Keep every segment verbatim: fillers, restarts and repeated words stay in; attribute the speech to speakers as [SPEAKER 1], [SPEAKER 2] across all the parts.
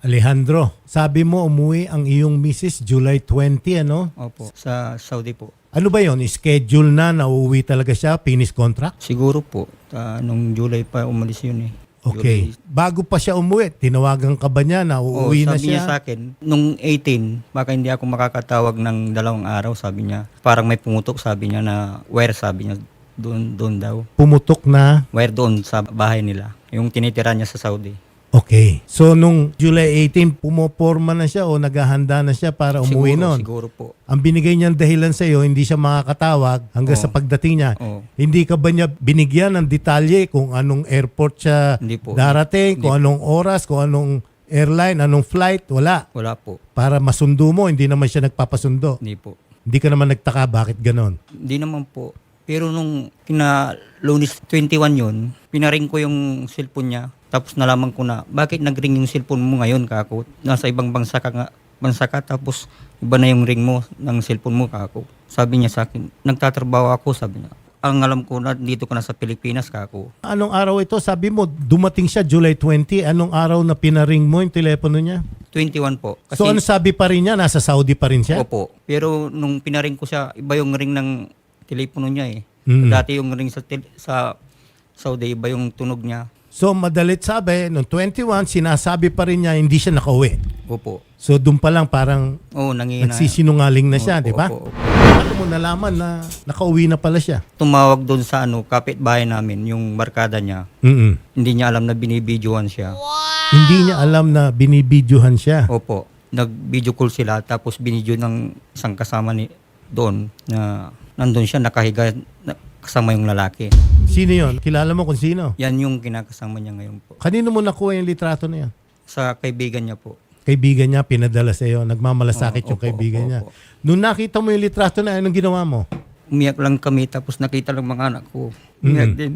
[SPEAKER 1] Alejandro, sabi mo umuwi ang iyong misis July twenty, ano?
[SPEAKER 2] Opo, sa Saudi po.
[SPEAKER 1] Ano ba yon? Schedule na na uuwi talaga siya? Finish contract?
[SPEAKER 2] Siguro po, ah, nung July pa umalis yun eh.
[SPEAKER 1] Okay.
[SPEAKER 2] July.
[SPEAKER 1] Bago pa siya umuwi, tinawagan ka ba niya na
[SPEAKER 2] Oo,
[SPEAKER 1] uuwi na
[SPEAKER 2] sabi niya
[SPEAKER 1] siya?
[SPEAKER 2] sa akin, nung eighteen, baka hindi ako makakatawag ng dalawang araw, sabi niya. Parang may pumutok, sabi niya na wire, sabi niya, doon, doon daw.
[SPEAKER 1] Pumutok na?
[SPEAKER 2] Wire doon sa bahay nila, yung tinitira niya sa Saudi.
[SPEAKER 1] Okay. So, nung July eighteen, pumoporma na siya o naghahanda na siya para umuwi
[SPEAKER 2] Siguro,
[SPEAKER 1] nun?
[SPEAKER 2] siguro po.
[SPEAKER 1] Ang binigay niyang dahilan sa iyo, hindi siya makakatawag hanggang
[SPEAKER 2] Oo.
[SPEAKER 1] sa pagdating niya.
[SPEAKER 2] Oo.
[SPEAKER 1] Hindi ka ba niya binigyan ng detalye kung anong airport siya
[SPEAKER 2] Hindi po.
[SPEAKER 1] darating,
[SPEAKER 2] Hindi
[SPEAKER 1] kung anong oras, kung anong airline, anong flight? Wala.
[SPEAKER 2] Wala po.
[SPEAKER 1] Para masundo mo, hindi naman siya nagpapasundo.
[SPEAKER 2] Hindi po.
[SPEAKER 1] Hindi ka naman nagtaka bakit ganon.
[SPEAKER 2] Hindi naman po. Pero nung kina Lunes twenty-one yun, pinaring ko yung cellphone niya. Tapos nalaman ko na, bakit nag-ring yung cellphone mo ngayon, kako? Nasa ibang bansa ka nga, bansa ka, tapos iba na yung ring mo ng cellphone mo, kako. Sabi niya sa akin, nagtatrabaho ako, sabi niya. Ang alam ko na, dito ka na sa Pilipinas, kako.
[SPEAKER 1] Anong araw ito? Sabi mo, dumating siya July twenty. Anong araw na pinaring mo yung telepono niya?
[SPEAKER 2] twenty-one po. Kasi,
[SPEAKER 1] So ano sabi pa rin niya? Nasa Saudi pa rin siya?
[SPEAKER 2] Opo. Pero nung pinaring ko siya, iba yung ring ng telepono niya eh.
[SPEAKER 1] Mm.
[SPEAKER 2] Dati yung ring sa, tel- sa Saudi, iba yung tunog niya.
[SPEAKER 1] So madalit sabi, noong twenty-one, sinasabi pa rin niya hindi siya nakauwi.
[SPEAKER 2] Opo.
[SPEAKER 1] So doon pa lang parang
[SPEAKER 2] Oo, nangihina.
[SPEAKER 1] nagsisinungaling na siya,
[SPEAKER 2] Opo,
[SPEAKER 1] di ba?
[SPEAKER 2] opo, opo.
[SPEAKER 1] Paano mo nalaman na nakauwi na pala siya?
[SPEAKER 2] Tumawag doon sa ano, kapitbahay namin, yung barkada niya.
[SPEAKER 1] Mm-mm.
[SPEAKER 2] Hindi niya alam na binibidyohan siya.
[SPEAKER 1] Hindi niya alam na binibidyohan siya.
[SPEAKER 2] Opo. Nag-video call sila tapos binidyo ng isang kasama ni doon na nandun siya nakahiga na, kasama yung lalaki.
[SPEAKER 1] Sino yon? Kilala mo kung sino?
[SPEAKER 2] Yan yung kinakasama niya ngayon po.
[SPEAKER 1] Kanino mo nakuha yung litrato na yan?
[SPEAKER 2] Sa kaibigan niya po.
[SPEAKER 1] Kaibigan niya, pinadala sa iyo. Nagmamalasakit
[SPEAKER 2] Oo,
[SPEAKER 1] yung
[SPEAKER 2] opo,
[SPEAKER 1] kaibigan
[SPEAKER 2] opo,
[SPEAKER 1] niya.
[SPEAKER 2] opo.
[SPEAKER 1] Nung nakita mo yung litrato na yan, anong ginawa mo?
[SPEAKER 2] Umiyak lang kami tapos nakita lang mga anak ko. Umiyak
[SPEAKER 1] Mm.
[SPEAKER 2] din.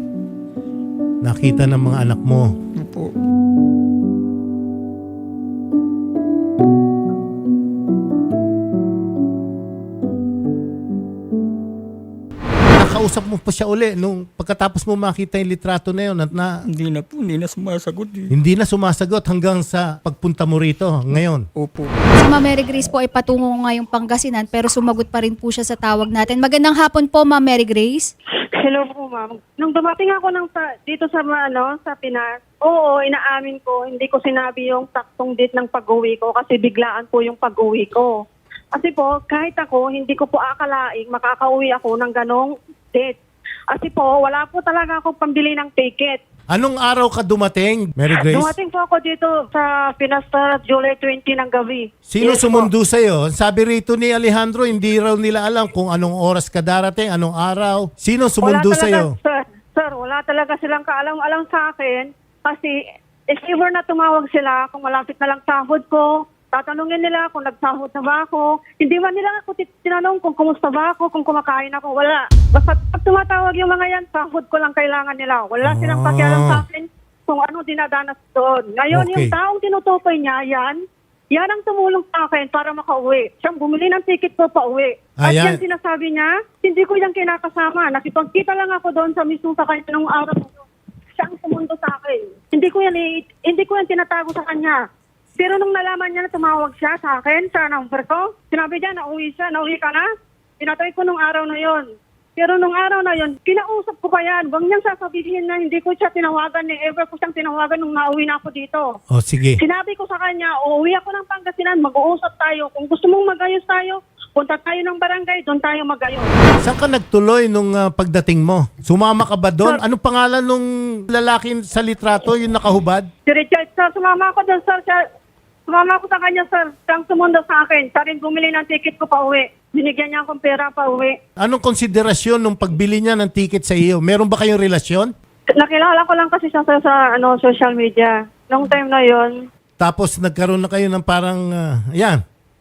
[SPEAKER 1] Nakita ng mga anak mo.
[SPEAKER 2] Opo.
[SPEAKER 1] Nakausap mo pa siya uli nung pagkatapos mo makita yung litrato na yun at na,
[SPEAKER 2] Hindi na po, hindi na sumasagot eh.
[SPEAKER 1] hindi na sumasagot hanggang sa pagpunta mo rito ngayon.
[SPEAKER 2] Opo.
[SPEAKER 3] Si Ma'am Mary Grace po ay patungo ngayong Pangasinan pero sumagot pa rin po siya sa tawag natin. Magandang hapon po, Ma'am Mary Grace.
[SPEAKER 4] Hello po, ma'am. Nung dumating ako ng sa, dito sa ano, sa Pinas, oo, inaamin ko, hindi ko sinabi yung taktong date ng pag-uwi ko kasi biglaan po yung pag-uwi ko. Kasi po, kahit ako, hindi ko po akalaing makakauwi ako ng ganong date. Kasi po, wala po talaga ako pambili ng ticket.
[SPEAKER 1] Anong araw ka dumating, Mary Grace?
[SPEAKER 4] Dumating po ako dito sa Pinas sa July twenty ng gabi.
[SPEAKER 1] Sino
[SPEAKER 4] Yes po.
[SPEAKER 1] sumundo sa'yo? Sabi rito ni Alejandro, hindi raw nila alam kung anong oras ka darating, anong araw. Sino sumundo
[SPEAKER 4] Wala talaga,
[SPEAKER 1] sa'yo?
[SPEAKER 4] Sir, sir, wala talaga silang kaalam-alam sa akin kasi if ever na tumawag sila kung malapit na lang sahod ko, tatanungin nila kung nagsahod na ba ako. Hindi man nila ako tit- tinanong kung kumusta ba ako, kung kumakain ako. Wala. Basta pag tumatawag yung mga yan, sahod ko lang kailangan nila. Wala silang
[SPEAKER 1] Ah.
[SPEAKER 4] pakialam sa akin kung ano dinadanas doon. Ngayon,
[SPEAKER 1] Okay.
[SPEAKER 4] yung taong tinutukoy niya, yan, yan ang tumulong sa akin para makauwi. Siyang bumili ng ticket ko pa uwi. At
[SPEAKER 1] Ayan.
[SPEAKER 4] yan sinasabi niya, hindi ko yan kinakasama. Nakipagkita lang ako doon sa mismo sa kanya nung araw na yun. Siya ang sumundo sa akin. Hindi ko yan, i- hindi ko yan tinatago sa kanya. Pero nung nalaman niya na tumawag siya sa akin, sa number ko, sinabi niya, nauwi siya, nauwi ka na. Pinatay ko nung araw na yon. Pero nung araw na yon, kinausap ko pa yan. Huwag niyang sasabihin na hindi ko siya tinawagan, ni ever ko siyang tinawagan nung nauwi na ako dito.
[SPEAKER 1] O sige.
[SPEAKER 4] Sinabi ko sa kanya, uuwi ako ng Pangasinan, mag-uusap tayo. Kung gusto mong magayos tayo, punta tayo ng barangay, doon tayo magayos.
[SPEAKER 1] Saan ka nagtuloy nung ah, pagdating mo? Sumama ka ba doon? Anong pangalan nung lalaki sa litrato, yung nakahubad?
[SPEAKER 4] Si Richard, sir, sumama ako doon, sir. Siya, sumama ako sa kanya, sir. Siyang sumundo sa akin. Siya rin bumili ng ticket ko pa uwi. Binigyan niya akong pera pa uwi.
[SPEAKER 1] Anong konsiderasyon nung pagbili niya ng ticket sa iyo? Meron ba kayong relasyon?
[SPEAKER 4] Nakilala ko lang kasi siya sa, sa ano, social media. Nung time na yon,
[SPEAKER 1] Tapos nagkaroon na kayo ng parang, ah, ayan.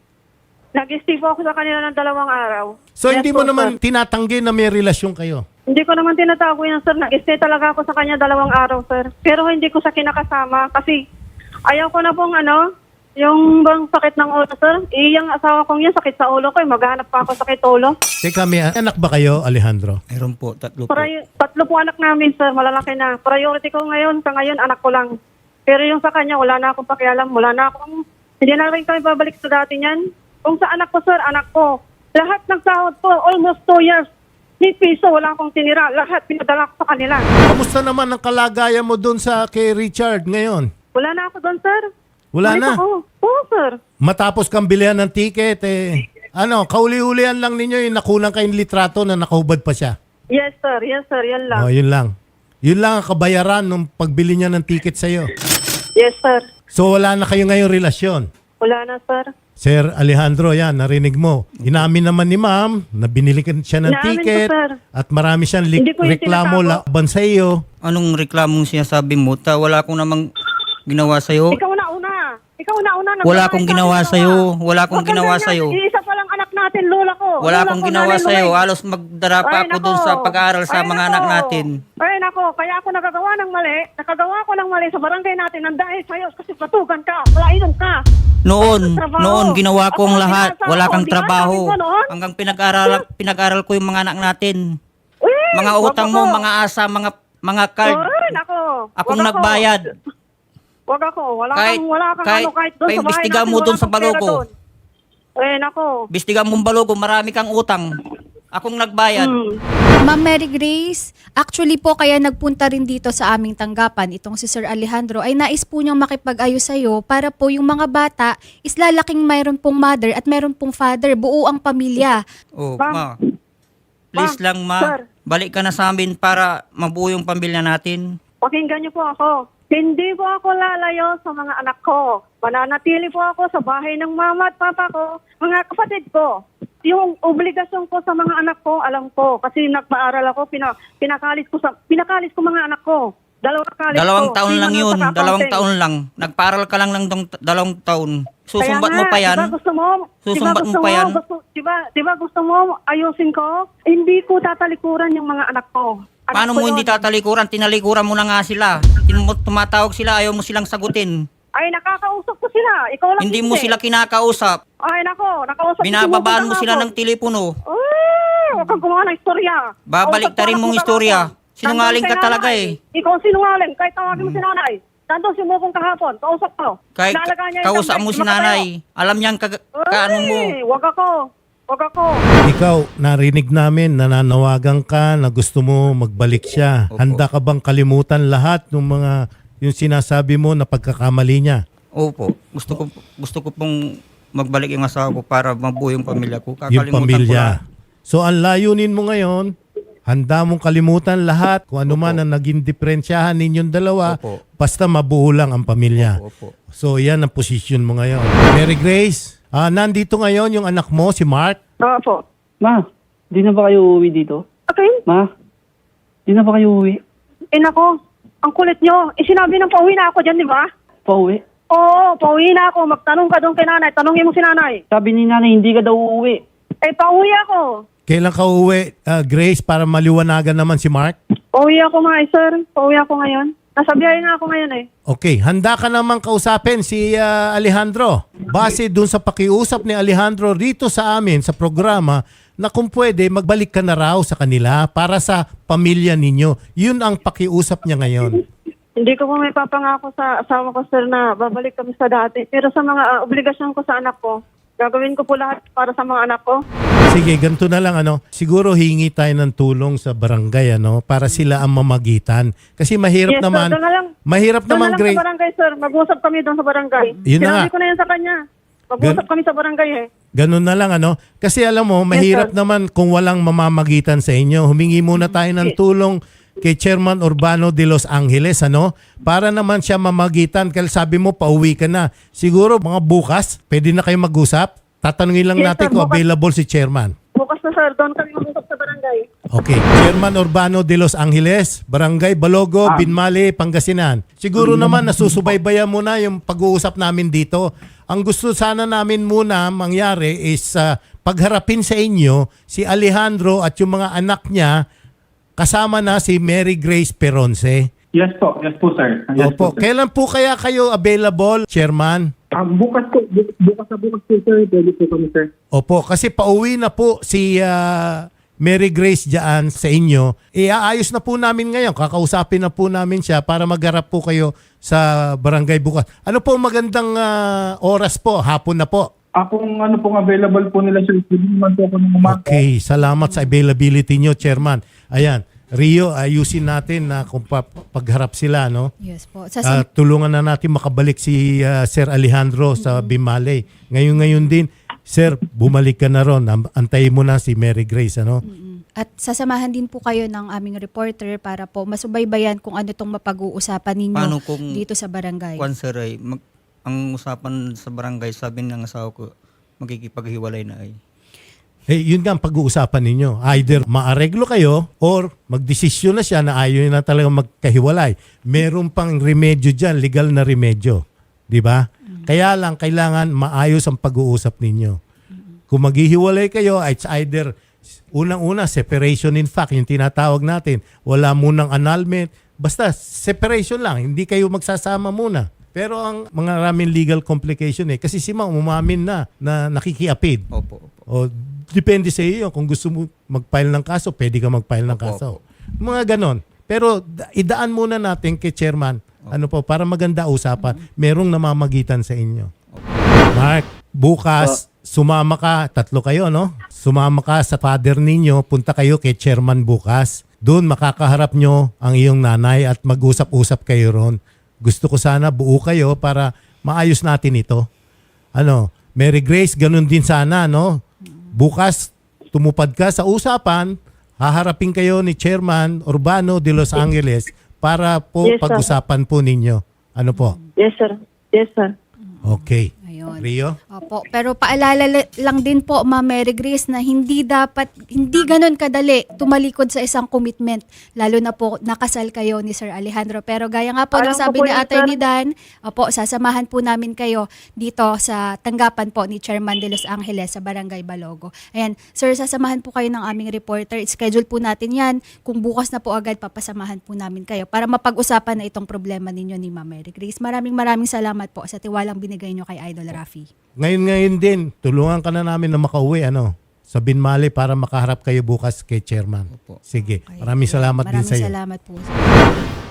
[SPEAKER 4] nag-stay po ako sa kanila ng dalawang araw.
[SPEAKER 1] So
[SPEAKER 4] Yes
[SPEAKER 1] hindi mo
[SPEAKER 4] po,
[SPEAKER 1] naman
[SPEAKER 4] sir.
[SPEAKER 1] tinatanggi na may relasyon kayo?
[SPEAKER 4] Hindi ko naman tinatago yan, sir. Nag-stay talaga ako sa kanya dalawang araw, sir. Pero hindi ko siya kinakasama kasi ayaw ko na pong ano, yung bang sakit ng ulo, sir. Eh, yung asawa kong yan, sakit sa ulo ko. Eh. Maghanap pa ako sakit ulo.
[SPEAKER 1] Teka, may anak ba kayo, Alejandro?
[SPEAKER 2] Meron po, tatlo po.
[SPEAKER 4] Para, tatlo po anak namin, sir. Malalaki na. Priority ko ngayon, sa ngayon, anak ko lang. Pero yung sa kanya, wala na akong pakialam. Wala na akong, hindi na rin kami babalik sa dati niyan. Kung sa anak ko, sir, anak ko, lahat ng sahod ko, almost two years, ni piso, wala akong tinira. Lahat pinadala ko sa kanila.
[SPEAKER 1] Kamusta naman ang kalagayan mo doon sa kay Richard ngayon?
[SPEAKER 4] Wala na ako doon, sir.
[SPEAKER 1] Wala
[SPEAKER 4] Balik
[SPEAKER 1] na.
[SPEAKER 4] Ako. Oo, sir.
[SPEAKER 1] Matapos kang bilihan ng ticket, eh, ano, kauli-ulian lang ninyo yung nakulang kayong litrato na nakahubad pa siya.
[SPEAKER 4] Yes, sir. Yes, sir. Yan lang.
[SPEAKER 1] Oh, yun lang. Yun lang ang kabayaran nung pagbili niya ng ticket sa'yo.
[SPEAKER 4] Yes, sir.
[SPEAKER 1] So wala na kayo ngayong relasyon.
[SPEAKER 4] Wala na, sir.
[SPEAKER 1] Sir Alejandro, yan, narinig mo. Inamin naman ni ma'am na binili ka siya ng
[SPEAKER 4] Inamin ko,
[SPEAKER 1] ticket
[SPEAKER 4] sir.
[SPEAKER 1] at marami siyang li-
[SPEAKER 4] Hindi ko yung
[SPEAKER 1] reklamo
[SPEAKER 4] tinatago.
[SPEAKER 1] laban sa iyo.
[SPEAKER 2] Anong reklamong sinasabi mo? Ta, wala akong namang ginawa sa'yo.
[SPEAKER 4] Ikaw na una. Ikaw na una.
[SPEAKER 2] Wala akong ginawa sa'yo. Wala akong ginawa sa'yo.
[SPEAKER 4] Isa pa lang anak natin, lola ko.
[SPEAKER 2] Wala
[SPEAKER 4] Lola
[SPEAKER 2] akong
[SPEAKER 4] ko,
[SPEAKER 2] ginawa
[SPEAKER 4] nanay
[SPEAKER 2] sa'yo.
[SPEAKER 4] Luway.
[SPEAKER 2] Halos magdara pa
[SPEAKER 4] Ay,
[SPEAKER 2] ako
[SPEAKER 4] nako.
[SPEAKER 2] dun sa pag-aaral sa
[SPEAKER 4] Ay,
[SPEAKER 2] mga
[SPEAKER 4] nako.
[SPEAKER 2] anak natin.
[SPEAKER 4] Ay, nako. Kaya ako nagagawa ng mali. Nakagawa ko ng mali sa barangay natin ng dahil sa'yo kasi patugan ka. Palainom ka.
[SPEAKER 2] Noon,
[SPEAKER 4] Trabaho.
[SPEAKER 2] noon ginawa ko ang
[SPEAKER 4] Ako,
[SPEAKER 2] lahat.
[SPEAKER 4] pinasa
[SPEAKER 2] Wala
[SPEAKER 4] ako,
[SPEAKER 2] kang
[SPEAKER 4] di ba?
[SPEAKER 2] trabaho.
[SPEAKER 4] Sabi ko noon.
[SPEAKER 2] Hanggang pinag-aral pinag-aral ko yung mga anak natin.
[SPEAKER 4] Uy,
[SPEAKER 2] Mga
[SPEAKER 4] wag
[SPEAKER 2] utang
[SPEAKER 4] ako.
[SPEAKER 2] mo, mga asa, mga mga card.
[SPEAKER 4] Ay, nako.
[SPEAKER 2] Akong
[SPEAKER 4] Wag ako.
[SPEAKER 2] nagbayad.
[SPEAKER 4] Wag ako. Wala
[SPEAKER 2] Kahit-
[SPEAKER 4] kang, wala kang
[SPEAKER 2] kahit-
[SPEAKER 4] ano, kahit doon sa bahay
[SPEAKER 2] paimbestiga
[SPEAKER 4] natin,
[SPEAKER 2] mo
[SPEAKER 4] wala
[SPEAKER 2] doon sa
[SPEAKER 4] kang pera
[SPEAKER 2] Balogo.
[SPEAKER 4] doon. Eh, nako.
[SPEAKER 2] Bistigan mong balogo, marami kang utang. Akong nagbayad.
[SPEAKER 4] Hmm.
[SPEAKER 3] Ma'am Mary Grace, actually po kaya nagpunta rin dito sa aming tanggapan itong si Sir Alejandro ay nais po niyang makipag-ayos sa'yo para po yung mga bata is lalaking mayroon pong mother at mayroon pong father, buo ang pamilya.
[SPEAKER 2] Oh,
[SPEAKER 4] Ma'am.
[SPEAKER 2] ma. Please
[SPEAKER 4] Ma'am,
[SPEAKER 2] lang, ma.
[SPEAKER 4] sir.
[SPEAKER 2] Balik ka na sa amin para mabuo yung pamilya natin.
[SPEAKER 4] Pakinggan niyo po ako. Hindi po ako lalayo sa mga anak ko. Mananatili po ako sa bahay ng mama at papa ko, mga kapatid ko. Yung obligasyon ko sa mga anak ko, alam ko. Kasi nagpaaral ako, pina, pinakalis ko sa pinakalis ko mga anak ko. Dalawang kalis
[SPEAKER 2] Dalawang
[SPEAKER 4] ko.
[SPEAKER 2] taon
[SPEAKER 4] Lima
[SPEAKER 2] lang
[SPEAKER 4] na
[SPEAKER 2] yun.
[SPEAKER 4] sa
[SPEAKER 2] Dalawang
[SPEAKER 4] accounting.
[SPEAKER 2] taon lang. Nagparal ka lang ng dong- dalawang taon. Susumbat
[SPEAKER 4] Kaya
[SPEAKER 2] mo
[SPEAKER 4] nga,
[SPEAKER 2] pa yan?
[SPEAKER 4] Diba gusto mo?
[SPEAKER 2] Susumbat
[SPEAKER 4] diba
[SPEAKER 2] mo
[SPEAKER 4] gusto
[SPEAKER 2] pa yan?
[SPEAKER 4] Gusto, diba, diba gusto mo ayusin ko? Hindi ko tatalikuran yung mga anak ko. Anak
[SPEAKER 2] Paano
[SPEAKER 4] ko
[SPEAKER 2] mo hindi
[SPEAKER 4] yun.
[SPEAKER 2] tatalikuran? Tinalikuran mo na nga sila. Tin- Tumatawag sila, ayaw mo silang sagutin.
[SPEAKER 4] Ay, nakakausap ko sila. Ikaw lang
[SPEAKER 2] Hindi mo sila kinakausap.
[SPEAKER 4] Ay, nako. Nakausap ko,
[SPEAKER 2] Binababaan mo
[SPEAKER 4] sumusunod
[SPEAKER 2] sila
[SPEAKER 4] ako.
[SPEAKER 2] ng telepono.
[SPEAKER 4] Ay, huwag kang gumawa ng istorya.
[SPEAKER 2] Babaliktarin mong istorya. Sinungaling ka talaga eh.
[SPEAKER 4] Ikaw ang sinungaling. Kahit tawagin mo si nanay. Nandun si Mukong kahapon. Kausap ko.
[SPEAKER 2] Kahit
[SPEAKER 4] Inalagaan niya yung
[SPEAKER 2] kausap
[SPEAKER 4] isang
[SPEAKER 2] mo si
[SPEAKER 4] beses,
[SPEAKER 2] nanay. Alam niyang ka- kaano mo.
[SPEAKER 4] Ay, Huwag ako. Huwag ako.
[SPEAKER 1] Ikaw, narinig namin, nananawagan ka na gusto mo magbalik siya.
[SPEAKER 2] Opo.
[SPEAKER 1] Handa ka bang kalimutan lahat ng mga yung sinasabi mo na pagkakamali niya?
[SPEAKER 2] Opo. Gusto ko gusto ko pong magbalik yung asawa ko para mabuo yung pamilya ko.
[SPEAKER 1] Yung
[SPEAKER 2] Kakalimutan ko
[SPEAKER 1] pamilya.
[SPEAKER 2] na.
[SPEAKER 1] So ang layunin mo ngayon, handa mong kalimutan lahat kung ano man ang naging diferensyahan ninyong dalawa,
[SPEAKER 2] Opo.
[SPEAKER 1] basta mabuo lang ang pamilya.
[SPEAKER 2] Opo.
[SPEAKER 1] So yan ang posisyon mo ngayon. Mary Grace, ah, nandito ngayon yung anak mo, si Mark.
[SPEAKER 4] Oo po.
[SPEAKER 5] Ma, di na ba kayo uuwi dito?
[SPEAKER 4] Okay.
[SPEAKER 5] Ma, di na ba kayo uuwi?
[SPEAKER 4] Eh, nako. Ang kulit nyo. Eh, sinabi ng pauwi na ako dyan, di ba?
[SPEAKER 5] Pauwi?
[SPEAKER 4] Oo, pauwi na ako. Magtanong ka doon kay nanay. Tanongin mo si nanay.
[SPEAKER 5] Sabi ni nanay, hindi ka daw uuwi.
[SPEAKER 4] Eh, pauwi ako.
[SPEAKER 1] Kailan ka uwi, ah, Grace, para maliwanagan naman si Mark?
[SPEAKER 4] Pauwi ako nga, eh, sir. Pauwi ako ngayon. Nasa biyahe na ako ngayon eh.
[SPEAKER 1] Okay, handa ka namang kausapin si ah, Alejandro. Base dun sa pakiusap ni Alejandro rito sa amin sa programa na kung pwede magbalik ka na raw sa kanila para sa pamilya ninyo. Yun ang pakiusap niya ngayon.
[SPEAKER 4] Hindi ko po may papangako sa asawa ko, sir, na babalik kami sa dati. Pero sa mga ah, obligasyon ko sa anak ko, gagawin ko po lahat para sa mga anak ko.
[SPEAKER 1] Sige, ganito na lang ano. Siguro hingi tayo ng tulong sa barangay ano para sila ang mamagitan. Kasi mahirap
[SPEAKER 4] Yes, sir.
[SPEAKER 1] naman.
[SPEAKER 4] Doon na lang.
[SPEAKER 1] Mahirap
[SPEAKER 4] Doon na
[SPEAKER 1] naman,
[SPEAKER 4] lang
[SPEAKER 1] Grace.
[SPEAKER 4] sa barangay, sir. Mag-usap kami doon sa barangay.
[SPEAKER 1] Yun na
[SPEAKER 4] Sinabi
[SPEAKER 1] nga.
[SPEAKER 4] ko na yan sa kanya. Mag-usap
[SPEAKER 1] Gan-
[SPEAKER 4] kami sa barangay eh.
[SPEAKER 1] Ganun na lang ano. Kasi alam mo, mahirap
[SPEAKER 4] sir.
[SPEAKER 1] naman kung walang mamamagitan sa inyo. Humingi muna tayo ng
[SPEAKER 4] Yes.
[SPEAKER 1] tulong kay Chairman Urbano de Los Angeles ano para naman siya mamagitan. Kasi sabi mo pauwi ka na. Siguro mga bukas, pwede na kayo mag-usap. Tatanungin lang
[SPEAKER 4] Yes,
[SPEAKER 1] natin
[SPEAKER 4] sir,
[SPEAKER 1] kung
[SPEAKER 4] bukas.
[SPEAKER 1] available si Chairman.
[SPEAKER 4] Bukas na, sir. Doon kami mag-usap sa barangay.
[SPEAKER 1] Okay. Chairman Urbano de Los Angeles, Barangay Balogo, Binmali, Pangasinan. Siguro naman nasusubaybayan mo na yung pag-uusap namin dito. Ang gusto sana namin muna mangyari is uh, pagharapin sa inyo si Alejandro at yung mga anak niya kasama na si Mary Grace Peronce.
[SPEAKER 6] Yes po, yes po sir. Yes
[SPEAKER 1] Opo.
[SPEAKER 6] po, sir.
[SPEAKER 1] Kailan po kaya kayo available, Chairman?
[SPEAKER 6] Ah, bukas po, bu- bukas na bukas po sir, pwede po kami sir.
[SPEAKER 1] Opo, kasi pauwi na po si ah, Mary Grace dyan sa inyo, iaayos na po namin ngayon. Kakausapin na po namin siya para magharap po kayo sa barangay bukas. Ano po magandang ah, oras po? Hapon na po.
[SPEAKER 6] Akong ano pong available po nila sir, hindi naman po ako ng umaga.
[SPEAKER 1] Okay, salamat sa availability nyo, Chairman. Ayan, Rio, ayusin natin na kung pa- pagharap sila, no?
[SPEAKER 3] Yes po.
[SPEAKER 1] Ah,
[SPEAKER 3] Sa
[SPEAKER 1] tulungan na natin makabalik si ah, Sir Alejandro sa Bimale. Ngayon-ngayon din, Sir, bumalik ka na ron. Am- Antayin mo na si Mary Grace, ano?
[SPEAKER 3] At sasamahan din po kayo ng aming reporter para po masubaybayan kung ano tong mapag-uusapan ninyo
[SPEAKER 2] Paano kung
[SPEAKER 3] dito sa barangay.
[SPEAKER 2] Kwan sir ay, mag, ang usapan sa barangay, sabi ng asawa ko, magkikipaghiwalay na ay.
[SPEAKER 1] Eh, yun nga ang pag-uusapan ninyo. Either maareglo kayo or magdesisyon na siya na ayaw niya na talaga magkahiwalay. Meron pang remedyo dyan, legal na remedyo. Di ba? Kaya lang, kailangan maayos ang pag-uusap ninyo. Kung maghihiwalay kayo, it's either unang-una, separation in fact, yung tinatawag natin. Wala munang annulment. Basta, separation lang. Hindi kayo magsasama muna. Pero ang mga maraming legal complication eh. Kasi si Ma'am umamin na na nakikiapid.
[SPEAKER 2] Opo, opo.
[SPEAKER 1] O depende sa iyo. Kung gusto mo mag-file ng kaso, pwede ka mag-file ng
[SPEAKER 2] Opo,
[SPEAKER 1] kaso. Mga ganon. Pero da- idaan muna natin kay Chairman. Ano po, para maganda usapan. Merong namamagitan sa inyo. Mark, bukas, sumama ka, tatlo kayo, no? Sumama ka sa father ninyo, punta kayo kay Chairman bukas. Doon makakaharap nyo ang iyong nanay at mag-usap-usap kayo ron. Gusto ko sana buo kayo para maayos natin ito. Ano, Mary Grace, ganun din sana, no? Bukas, tumupad ka sa usapan, haharapin kayo ni Chairman Urbano de Los Angeles para po
[SPEAKER 4] Yes, sir.
[SPEAKER 1] pag-usapan po ninyo. Ano po?
[SPEAKER 4] Yes, sir. Yes, sir.
[SPEAKER 1] Okay.
[SPEAKER 3] Ayun.
[SPEAKER 1] Rio?
[SPEAKER 3] Opo, pero paalala la- lang din po, Ma'am Mary Grace, na hindi dapat, hindi ganun kadali tumalikod sa isang commitment, lalo na po nakasal kayo ni Sir Alejandro. Pero gaya nga po
[SPEAKER 4] Alam
[SPEAKER 3] ng
[SPEAKER 4] ko
[SPEAKER 3] sabi
[SPEAKER 4] po
[SPEAKER 3] ni
[SPEAKER 4] yun,
[SPEAKER 3] Attorney
[SPEAKER 4] sir.
[SPEAKER 3] Dan, opo, sasamahan po namin kayo dito sa tanggapan po ni Chairman de Los Angeles sa Barangay Balogo. Ayan, sir, sasamahan po kayo ng aming reporter. Schedule po natin yan. Kung bukas na po agad, papasamahan po namin kayo para mapag-usapan na itong problema ninyo ni Ma'am Mary Grace. Maraming maraming salamat po sa tiwalang binigay nyo kay Idol Rafi.
[SPEAKER 1] Ngayon-ngayon din, tulungan ka na namin na makauwi, ano, sa Binmali para makaharap kayo bukas kay Chairman.
[SPEAKER 2] Opo.
[SPEAKER 1] Sige.
[SPEAKER 3] Okay.
[SPEAKER 1] Maraming salamat din
[SPEAKER 3] Maraming
[SPEAKER 1] sa iyo.
[SPEAKER 3] salamat po.